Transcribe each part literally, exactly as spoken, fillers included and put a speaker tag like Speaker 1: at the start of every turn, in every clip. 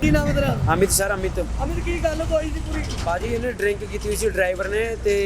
Speaker 1: ਕੀ ਨਾਮ ਹੈ ਤੇਰਾ?
Speaker 2: ਅਮਿਤ ਸਰ ਅਮਿਤ
Speaker 1: ਅਮਿਤ ਕੀ ਗੱਲ ਹੋਈ ਸੀ ਪੂਰੀ?
Speaker 2: ਭਾਜੀ ਇਹਨੇ ਡਰਿੰਕ ਕੀਤੀ ਹੋਈ ਸੀ ਡਰਾਈਵਰ ਨੇ ਤੇ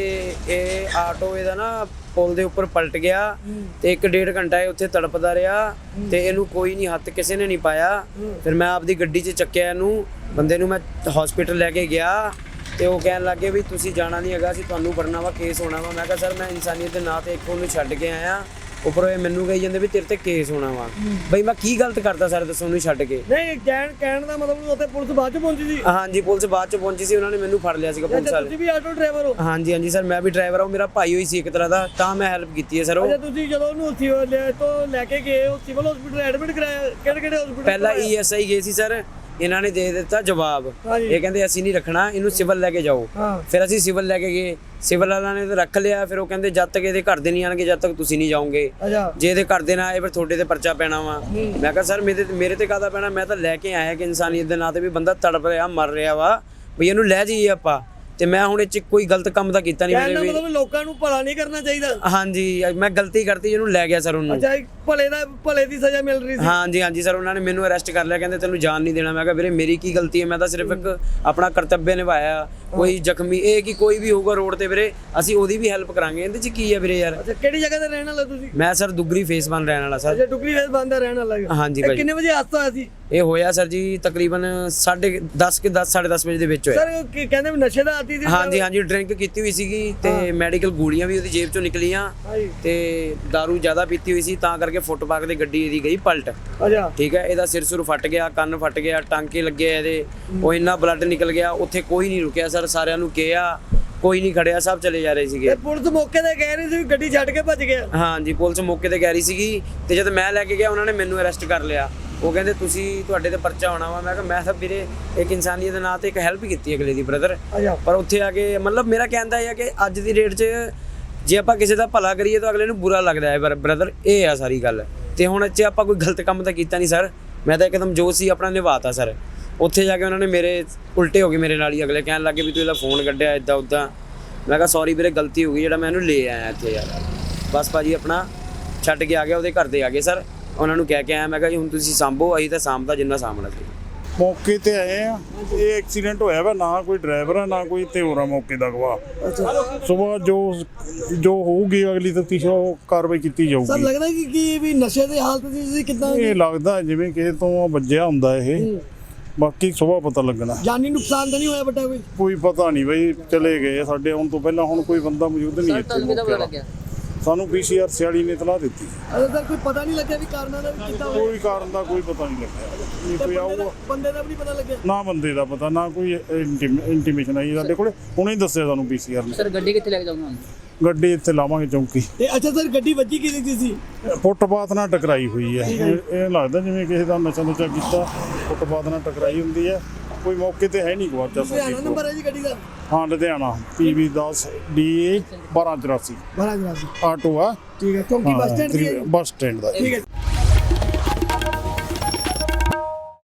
Speaker 2: ਇਹ ਆਟੋ ਇਹਦਾ ਨਾ ਪੁਲ ਦੇ ਉੱਪਰ ਪਲਟ ਗਿਆ ਤੇ ਇੱਕ ਡੇਢ ਘੰਟਾ ਇਹ ਉੱਥੇ ਤੜਪਦਾ ਰਿਹਾ ਤੇ ਇਹਨੂੰ ਕੋਈ ਨਹੀਂ ਹੱਥ ਕਿਸੇ ਨੇ ਨਹੀਂ ਪਾਇਆ। ਫਿਰ ਮੈਂ ਆਪਦੀ ਗੱਡੀ 'ਚ ਚੱਕਿਆ ਇਹਨੂੰ, ਬੰਦੇ ਨੂੰ ਮੈਂ ਹਸਪੀਟਲ ਲੈ ਕੇ ਗਿਆ ਤੇ ਉਹ ਕਹਿਣ ਲੱਗੇ ਵੀ ਤੁਸੀਂ ਜਾਣਾ ਨਹੀਂ ਹੈਗਾ, ਅਸੀਂ ਤੁਹਾਨੂੰ ਫੜਨਾ ਵਾ, ਕੇਸ ਹੋਣਾ ਵਾ। ਮੈਂ ਕਿਹਾ ਸਰ ਮੈਂ ਇਨਸਾਨੀਅਤ ਦੇ ਨਾਂ ਤੇ ਇੱਕ ਉਹਨੂੰ ਛੱਡ ਕੇ ਆਇਆ, ਉੱਪਰੋਂ ਇਹ ਮੈਨੂੰ ਕਹੀ ਜਾਂਦੇ ਵੀ ਤੇਰੇ ਤੇ ਕੇਸ ਹੋਣਾ ਵਾ। ਬਈ ਮੈਂ ਕੀ ਗਲਤ ਕਰਤਾ ਸਰ ਦੱਸੋ ਉਹਨੂੰ ਛੱਡ ਕੇ?
Speaker 1: ਨਹੀਂ ਕਹਿਣ ਕਹਿਣ ਦਾ ਮਤਲਬ ਉੱਥੇ ਪੁਲਿਸ ਬਾਅਦ ਚ ਪਹੁੰਚੀ ਸੀ?
Speaker 2: ਹਾਂਜੀ ਪੁਲਿਸ ਬਾਅਦ ਚ ਪਹੁੰਚੀ ਸੀ, ਉਹਨਾਂ ਨੇ ਮੈਨੂੰ ਫੜ ਲਿਆ ਸੀਗਾ ਪੁਲਿਸ ਵਾਲੇ।
Speaker 1: ਤੁਸੀਂ ਵੀ ਆਟੋ ਡਰਾਈਵਰ ਹੋ?
Speaker 2: ਹਾਂਜੀ ਹਾਂਜੀ ਸਰ ਮੈਂ ਵੀ ਡਰਾਈਵਰ ਹਾਂ, ਮੇਰਾ ਭਾਈ ਹੋਈ ਸੀ ਇੱਕ ਤਰ੍ਹਾਂ ਦਾ, ਤਾਂ ਮੈਂ ਹੈਲਪ ਕੀਤੀ ਹੈ ਸਰ। ਉਹ
Speaker 1: ਅੱਛਾ ਤੁਸੀਂ ਜਦੋਂ ਉਹਨੂੰ ਸਿਵਲ ਤੋਂ ਲੈ ਕੇ ਗਏ ਉਹ ਸਿਵਲ ਹਸਪੀਟਲ ਐਡਮਿਟ ਕਰਾਇਆ? ਕਿਹੜੇ ਕਿਹੜੇ ਹਸਪੀਟਲ?
Speaker 2: ਪਹਿਲਾਂ ਈ ਐਸ ਆਈ ਗਏ ਸੀ ਸਰ, ਇਹਨਾਂ ਨੇ ਦੇ ਦਿੱਤਾ ਜਵਾਬ, ਇਹ ਕਹਿੰਦੇ ਅਸੀਂ ਨਹੀਂ ਰੱਖਣਾ ਇਹਨੂੰ, ਸਿਵਲ ਲੈ ਕੇ ਜਾਓ। ਫਿਰ ਅਸੀਂ ਸਿਵਲ ਲੈ ਕੇ ਗਏ, ਸਿਵਲ ਵਾਲਿਆਂ ਨੇ ਤਾਂ ਰੱਖ ਲਿਆ। ਫਿਰ ਉਹ ਕਹਿੰਦੇ ਜਦ ਤੱਕ ਇਹਦੇ ਘਰ ਦੇ ਨਹੀਂ ਆਣਗੇ ਜਦ ਤੱਕ ਤੁਸੀਂ ਨਹੀਂ ਜਾਓਗੇ, ਜੇ ਇਹਦੇ ਘਰ ਦੇ ਨਾ ਆਏ ਫਿਰ ਤੁਹਾਡੇ ਤੇ ਪਰਚਾ ਪੈਣਾ ਵਾ। ਮੈਂ ਕਿਹਾ ਸਰ ਮੇਰੇ ਮੇਰੇ ਤੇ ਕਾਹਦਾ ਪੈਣਾ, ਮੈਂ ਤਾਂ ਲੈ ਕੇ ਆਇਆ ਕਿ ਇਨਸਾਨੀਅਤ ਦੇ ਨਾਂ ਤੇ ਵੀ ਬੰਦਾ ਤੜਪ ਰਿਹਾ ਮਰ ਰਿਹਾ ਵਾ, ਵੀ ਇਹਨੂੰ ਲੈ ਜਾਈਏ ਆਪਾਂ। ਤੇ ਮੈਂ ਹੁਣ ਇਹ 'ਚ ਕੋਈ ਗਲਤ ਕੰਮ ਤਾਂ ਕੀਤਾ ਨਹੀਂ ਮੇਰੇ ਵੀ।
Speaker 1: ਮਤਲਬ ਲੋਕਾਂ ਨੂੰ ਭਲਾ ਨਹੀਂ ਕਰਨਾ ਚਾਹੀਦਾ?
Speaker 2: ਹਾਂਜੀ ਮੈਂ ਗਲਤੀ ਕਰਤੀ, ਇਹਨੂੰ ਲੈ ਗਿਆ ਸਰ ਉਹਨੂੰ।
Speaker 1: ਅੱਛਾ ਭਲੇ ਦਾ ਭਲੇ ਦੀ ਸਜ਼ਾ ਮਿਲ ਰਹੀ ਸੀ?
Speaker 2: ਹਾਂਜੀ ਹਾਂਜੀ ਸਰ ਉਹਨਾਂ ਨੇ ਮੈਨੂੰ ਅਰੈਸਟ ਕਰ ਲਿਆ, ਕਹਿੰਦੇ ਤੈਨੂੰ ਜਾਨ ਨਹੀਂ ਦੇਣਾ। ਮੈਂ ਕਿਹਾ ਵੀਰੇ ਮੇਰੀ ਕੀ ਗਲਤੀ ਹੈ, ਮੈਂ ਤਾਂ ਸਿਰਫ ਇੱਕ ਆਪਣਾ ਕਰਤੱਵਯ ਨਿਭਾਇਆ। ਕੋਈ ਜ਼ਖਮੀ ਇਹ ਕਿ ਕੋਈ ਵੀ ਹੋਊਗਾ ਰੋਡ ਤੇ ਵੀਰੇ ਅਸੀਂ ਉਹਦੀ ਵੀ ਹੈਲਪ ਕਰਾਂਗੇ, ਇਹਦੇ 'ਚ ਕੀ ਹੈ ਵੀਰੇ ਯਾਰ।
Speaker 1: ਅੱਛਾ ਕਿਹੜੀ ਜਗ੍ਹਾ ਤੇ ਰਹਿਣ ਵਾਲਾ ਤੁਸੀਂ?
Speaker 2: ਮੈਂ ਸਰ ਦੁੱਗਰੀ ਫੇਸ ਬਨ ਰਹਿਣ ਵਾਲਾ ਸਰ।
Speaker 1: ਅੱਛਾ ਦੁੱਗਰੀ ਫੇਸ ਬਨ ਦਾ ਰਹਿਣ ਵਾਲਾ?
Speaker 2: ਹਾਂਜੀ ਭਾਈ।
Speaker 1: ਕਿੰਨੇ ਵਜੇ ਹਾਦਸਾ ਹੋਇਆ ਸੀ?
Speaker 2: ਇਹ ਹੋਇਆ ਸਰ ਜੀ ਤਕਰੀਬਨ ਸਾਢੇ ਦਸ ਕਿ ਦਸ ਸਾਢੇ ਦਸ ਵਜੇ ਦੇ ਵਿੱਚ ਹੋਇਆ
Speaker 1: ਸਰ। ਕਹਿੰਦੇ ਨਸ਼ੇ ਦਾ ਆਦੀ ਸੀ?
Speaker 2: ਹਾਂਜੀ ਹਾਂਜੀ ਡਰਿੰਕ ਕੀਤੀ ਹੋਈ ਸੀਗੀ ਤੇ ਮੈਡੀਕਲ ਗੋਲੀਆਂ ਵੀ ਉਹਦੀ ਜੇਬ ਚੋਂ ਨਿਕਲੀਆਂ ਤੇ ਦਾਰੂ ਜ਼ਿਆਦਾ ਪੀਤੀ ਹੋਈ ਸੀ, ਤਾਂ ਕਰਕੇ ਫੁੱਟਪਾਥ ਤੇ ਗੱਡੀ ਇਹਦੀ ਗਈ ਪਲਟ।
Speaker 1: ਅੱਛਾ
Speaker 2: ਠੀਕ ਹੈ, ਇਹਦਾ ਸਿਰ ਸੁਰ ਫਟ ਗਿਆ, ਕੰਨ ਫਟ ਗਿਆ, ਟਾਂਕੇ ਲੱਗੇ ਇਹਦੇ, ਉਹ ਇੰਨਾ ਬਲੱਡ ਨਿਕਲ ਗਿਆ। ਉੱਥੇ ਕੋਈ ਨਹੀਂ ਰੁਕਿਆ ਸਰ, ਸਾਰਿਆਂ ਨੂੰ ਕਿਹਾ ਕੋਈ ਨਹੀਂ ਖੜਿਆ, ਸਭ ਚਲੇ ਜਾ ਰਹੇ ਸੀਗੇ।
Speaker 1: ਪੁਲਿਸ ਮੌਕੇ ਤੇ ਕਹਿ ਰਹੀ ਸੀ ਗੱਡੀ ਛੱਡ ਕੇ ਭੱਜ ਗਿਆ?
Speaker 2: ਹਾਂਜੀ ਪੁਲਿਸ ਮੌਕੇ ਤੇ ਕਹਿ ਰਹੀ ਸੀਗੀ ਤੇ ਜਦ ਮੈਂ ਲੈ ਕੇ ਗਿਆ ਉਹਨਾਂ ਨੇ ਮੈਨੂੰ ਅਰੈਸਟ ਕਰ ਲਿਆ। ਉਹ ਕਹਿੰਦੇ ਤੁਸੀਂ ਤੁਹਾਡੇ ਤੇ ਪਰਚਾ ਹੋਣਾ ਵਾ। ਮੈਂ ਕਿਹਾ ਮੈਂ ਤਾਂ ਵੀਰੇ ਇੱਕ ਇਨਸਾਨੀਅਤ ਦੇ ਨਾਂ ਤੇ ਇੱਕ ਹੈਲਪ ਕੀਤੀ ਅਗਲੇ ਦੀ ਬ੍ਰਦਰ। ਪਰ ਉੱਥੇ ਆ ਕੇ ਮਤਲਬ ਮੇਰਾ ਕਹਿੰਦਾ ਇਹ ਆ ਕਿ ਅੱਜ ਦੀ ਡੇਟ 'ਚ ਜੇ ਆਪਾਂ ਕਿਸੇ ਦਾ ਭਲਾ ਕਰੀਏ ਤਾਂ ਅਗਲੇ ਨੂੰ ਬੁਰਾ ਲੱਗਦਾ ਹੈ ਬ੍ਰਦਰ, ਇਹ ਆ ਸਾਰੀ ਗੱਲ। ਤੇ ਹੁਣ ਇੱਥੇ ਆਪਾਂ ਕੋਈ ਗਲਤ ਕੰਮ ਤਾਂ ਕੀਤਾ ਨਹੀਂ ਸਰ, ਮੈਂ ਤਾਂ ਇੱਕਦਮ ਜੋ ਸੀ ਆਪਣਾ ਨਿਭਾਤਾ ਸਰ। ਉੱਥੇ ਜਾ ਕੇ ਉਹਨਾਂ ਨੇ ਮੇਰੇ ਉਲਟੇ ਹੋ ਗਏ ਮੇਰੇ ਨਾਲ ਹੀ, ਅਗਲੇ ਕਹਿਣ ਲੱਗੇ ਵੀ ਤੂੰ ਇਹਦਾ ਫੋਨ ਕੱਢਿਆ ਇੱਦਾਂ ਉੱਦਾਂ। ਮੈਂ ਕਿਹਾ ਸੌਰੀ ਵੀਰੇ ਗਲਤੀ ਹੋ ਗਈ, ਜਿਹੜਾ ਮੈਂ ਇਹਨੂੰ ਲੈ ਆਇਆ ਇੱਥੇ ਯਾਰ। ਬਸ ਭਾਜੀ ਆਪਣਾ ਛੱਡ ਕੇ ਆ ਗਿਆ, ਉਹਦੇ ਘਰ ਦੇ ਆ ਗਏ ਸਰ, ਉਹਨਾਂ ਨੂੰ ਕਹਿ ਕੇ ਆਇਆ। ਮੈਂ ਕਿਹਾ ਜੀ ਹੁਣ ਤੁਸੀਂ ਸਾਂਭੋ, ਅਸੀਂ ਤਾਂ ਸਾਂਭਦਾ ਜਿੰਨਾ ਸਾਂਭਣਾ ਸੀ।
Speaker 3: ਮੌਕੇ ਤੇ ਆਏ ਆ, ਇਹ ਐਕਸੀਡੈਂਟ ਹੋਇਆ ਵਾ, ਨਾ ਕੋਈ ਡਰਾਈਵਰ ਆ ਨਾ ਕੋਈ ਤੇ ਹੋਰ ਆ ਮੌਕੇ ਦਾ ਗਵਾਹ। ਸੁਬਾਹ ਜੋ ਜੋ ਹੋਊਗੀ ਅਗਲੀ ਤਫਤੀਸ਼ ਉਹ ਕਾਰਵਾਈ ਕੀਤੀ ਜਾਊਗੀ।
Speaker 1: ਸਰ ਲੱਗਦਾ ਕਿ ਕੀ ਵੀ ਨਸ਼ੇ ਦੀ ਹਾਲਤ ਸੀ ਕਿਦਾਂ?
Speaker 3: ਇਹ ਲੱਗਦਾ ਜਿਵੇਂ ਕਿਸੇ ਤੋਂ ਵੱਜਿਆ ਹੁੰਦਾ ਇਹ, ਬਾਕੀ ਸੁਬਾਹ ਪਤਾ ਲੱਗਣਾ।
Speaker 1: ਜਾਨੀ ਨੁਕਸਾਨ ਤਾਂ ਨਹੀਂ ਹੋਇਆ ਬਟਾ? ਕੋਈ
Speaker 3: ਕੋਈ ਪਤਾ ਨਹੀਂ ਬਈ, ਚਲੇ ਗਏ ਸਾਡੇ ਆਉਣ ਤੋਂ ਪਹਿਲਾਂ। ਹੁਣ ਕੋਈ ਬੰਦਾ ਮੌਜੂਦ ਨਹੀਂ ਇੱਥੇ, ਸਾਨੂੰ ਪੀ ਸੀ ਆਰ ਸਿਆਲੀ ਨੇ ਇਤਲਾਹ ਦਿੱਤੀ।
Speaker 1: ਅਜੇ ਤੱਕ ਕੋਈ ਪਤਾ ਨਹੀਂ ਲੱਗਿਆ ਵੀ ਕਾਰਨਾਂ ਦਾ ਵੀ ਕਿੱਦਾਂ?
Speaker 3: ਕੋਈ ਕਾਰਨ ਦਾ ਕੋਈ ਪਤਾ ਨਹੀਂ ਲੱਗਿਆ, ਕੋਈ ਆਊਗਾ
Speaker 1: ਬੰਦੇ ਦਾ ਵੀ ਨਹੀਂ ਪਤਾ ਲੱਗਿਆ? ਨਾ
Speaker 3: ਬੰਦੇ ਦਾ ਪਤਾ ਨਾ ਕੋਈ ਇੰਟੀਮੇਸ਼ਨ ਆਈ ਸਾਡੇ ਕੋਲੇ, ਹੁਣੇ ਦੱਸਿਆ ਸਾਨੂੰ ਪੀ ਸੀ ਆਰ ਨੇ।
Speaker 4: ਸਰ ਗੱਡੀ ਕਿੱਥੇ ਲੈ ਕੇ ਜਾਊਂਗਾ?
Speaker 3: ਗੱਡੀ ਇੱਥੇ ਲਾਵਾਂਗੇ ਚੌਂਕੀ
Speaker 1: ਤੇ। ਅੱਛਾ ਸਰ ਗੱਡੀ ਵੱਜੀ ਕਿਹਦੀ ਸੀ?
Speaker 3: ਫੁੱਟਪਾਥ ਨਾਲ ਟਕਰਾਈ ਹੋਈ ਹੈ। ਇਹ ਲੱਗਦਾ ਜਿਵੇਂ ਕਿਸੇ ਦਾ ਨਸ਼ਾ ਨੁਸ਼ਾ ਕੀਤਾ, ਫੁੱਟਪਾਥ ਨਾਲ ਟਕਰਾਈ ਹੁੰਦੀ ਹੈ। ਕੋਈ ਮੌਕੇ ਤੇ ਹੈ ਨਹੀਂ ਗਵਾਚਾ
Speaker 1: ਲੁਧਿਆਣਾ ਨੰਬਰ ਹੈ ਜੀ ਗੱਡੀ ਦਾ?
Speaker 3: ਹਾਂ ਲੁਧਿਆਣਾ ਪੀ ਵੀ ਦਸ ਡੀ ਏ ਬਾਰਾਂ ਚੁਰਾਸੀ
Speaker 1: ਬਾਰਾਂ ਚੁਰਾਸੀ
Speaker 3: ਆਟੋ ਆ।
Speaker 1: ਠੀਕ ਹੈ, ਚੌਂਕੀ ਬੱਸ ਸਟੈਂਡ ਦੀ?
Speaker 3: ਬੱਸ ਸਟੈਂਡ ਦਾ।
Speaker 1: ਠੀਕ ਹੈ।